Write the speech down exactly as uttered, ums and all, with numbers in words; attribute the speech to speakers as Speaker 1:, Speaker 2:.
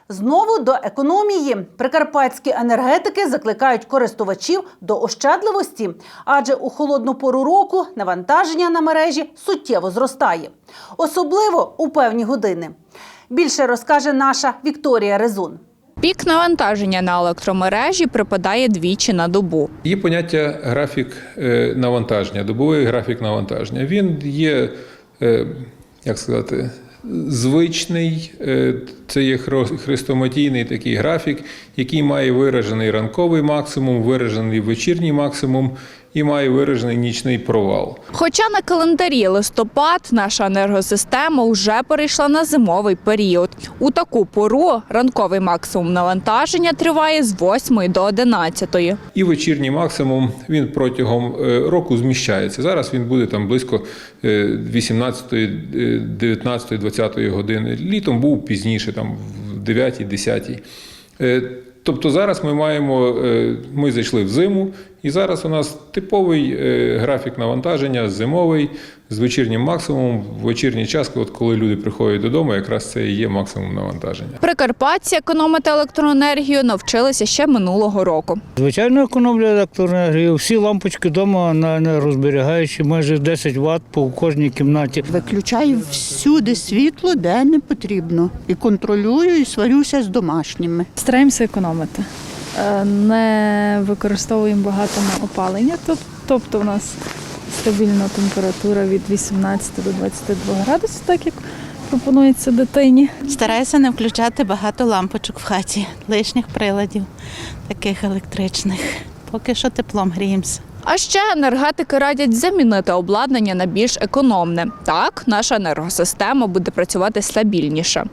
Speaker 1: Знову до економії. Прикарпатські енергетики закликають користувачів до ощадливості, адже у холодну пору року навантаження на мережі суттєво зростає. Особливо у певні години. Більше розкаже наша Вікторія Резун.
Speaker 2: Пік навантаження на електромережі припадає двічі на добу.
Speaker 3: Є поняття графік навантаження, добовий графік навантаження. Він є, як сказати, звичний, це є хрестоматійний такий графік, який має виражений ранковий максимум, виражений вечірній максимум і має виражений нічний провал.
Speaker 2: Хоча на календарі листопад наша енергосистема вже перейшла на зимовий період. У таку пору ранковий максимум навантаження триває з восьмої до одинадцятої.
Speaker 3: І вечірній максимум, він протягом року зміщається. Зараз він буде там близько вісімнадцятої, дев'ятнадцятої, двадцятої години. Літом був пізніше, там в дев'ятій, десятій. Тобто зараз ми маємо, ми зайшли в зиму, і зараз у нас типовий графік навантаження, зимовий, з вечірнім максимумом. В вечірній час, от коли люди приходять додому, якраз це і є максимум навантаження.
Speaker 2: Прикарпатці економити електроенергію навчилися ще минулого року.
Speaker 4: Звичайно, економлю електроенергію. Всі лампочки вдома на енергозберігаючі, майже десять ватт по кожній кімнаті.
Speaker 5: Виключаю всюди світло, де не потрібно. І контролюю, і сварюся з домашніми.
Speaker 6: Стараємося економити. Не використовуємо багато на опалення, тобто у нас стабільна температура від вісімнадцяти до двадцяти двох градусів, так як пропонується дитині.
Speaker 7: Стараюся не включати багато лампочок в хаті, лишніх приладів, таких електричних. Поки що теплом гріємося.
Speaker 2: А ще енергетики радять замінити обладнання на більш економне. Так, наша енергосистема буде працювати стабільніше.